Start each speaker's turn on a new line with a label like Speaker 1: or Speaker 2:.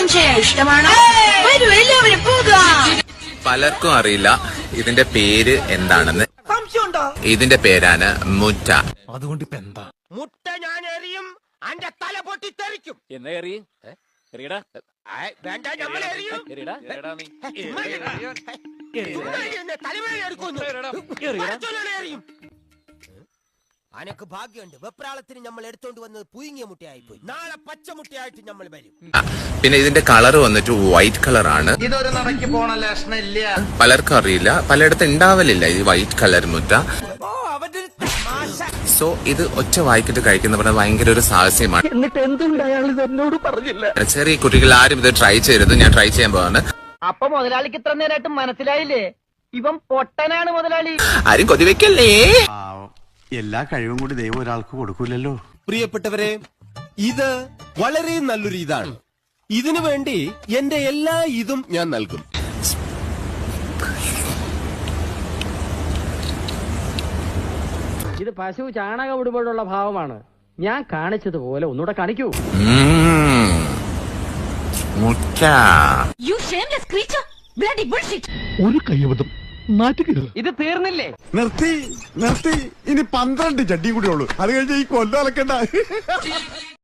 Speaker 1: ചെയ്യാൻ ഇഷ്ടമാണോ? വരൂ എല്ലാവരും പോകാം.
Speaker 2: പലർക്കും അറിയില്ല ഇതിന്റെ പേര് എന്താണെന്ന്. ഇതിന്റെ പേരാണ് മുറ്റ.
Speaker 3: അതുകൊണ്ട് ഇപ്പൊ എന്താ?
Speaker 4: മുട്ട ഞാൻ എറിയും, അന്റെ തല പൊട്ടി തെറിക്കും.
Speaker 3: എന്നാ എറിയ എറിയടാ.
Speaker 4: വേണ്ട, നമ്മൾ എറിയും. തലവേദന എടുക്കുന്നു. അനക്ക് ഭാഗ്യമുണ്ട്, വെപ്രാളത്തിന് നമ്മൾ എടുത്തോണ്ട് വന്നത് പുഴുങ്ങിയ മുട്ടയായി പോയി. നാളെ പച്ചമുട്ടയായിട്ട് നമ്മൾ വരും.
Speaker 2: പിന്നെ ഇതിന്റെ കളർ വന്നിട്ട് വൈറ്റ് കളറാണ്.
Speaker 5: ഇതൊരു നടക്കി പോണ ലക്ഷണില്ല.
Speaker 2: പലർക്കും അറിയില്ല, പലയിടത്തും ഉണ്ടാവലില്ല ഈ വൈറ്റ് കളർ മുറ്റ. സോ ഇത് ഒറ്റ വായിക്കിട്ട് കഴിക്കുന്ന പറഞ്ഞാൽ ഭയങ്കര ഒരു സാഹസ്യമാണ്.
Speaker 4: എന്നിട്ട് എന്തുകൊണ്ട് അയാൾ ഇത് എന്നോട് പറഞ്ഞില്ല?
Speaker 2: ചെറിയ കുട്ടികൾ ആരും ഇത് ട്രൈ ചെയ്യരുത്. ഞാൻ ട്രൈ ചെയ്യാൻ പോവാണ്.
Speaker 4: അപ്പൊ മുതലാളിക്ക് ഇത്ര നേരമായിട്ട് മനസ്സിലായില്ലേ ഇവൻ പൊട്ടനാണ് മുതലാളി?
Speaker 2: ആരും കൊതിവെക്കല്ലേ.
Speaker 6: എല്ലാ കഴിവും കൂടി ദൈവം ഒരാൾക്ക് കൊടുക്കൂലല്ലോ.
Speaker 7: പ്രിയപ്പെട്ടവരെ, ഇത് വളരെ നല്ലൊരു ഇതാണ്. ഇതിനു വേണ്ടി എന്റെ എല്ലാ ഇതും ഞാൻ നൽകും.
Speaker 8: ഇത് പശു ചാണകം ഇടുമ്പോഴുള്ള ഭാവമാണ്. ഞാൻ കാണിച്ചതുപോലെ ഒന്നുകൂടെ കാണിക്കൂ.
Speaker 2: മുറ്റ.
Speaker 1: You shameless creature! Bloody bullshit!
Speaker 3: ഒരു കയ്യബദ്ധം നാറ്റുകരുത്.
Speaker 8: ഇത് തീർന്നില്ലേ?
Speaker 6: നിർത്തി ഇനി 12 ചട്ടിയും കൂടി ഉള്ളൂ. അത് കഴിഞ്ഞ് ഈ കൊല്ലം അലക്കണ്ട.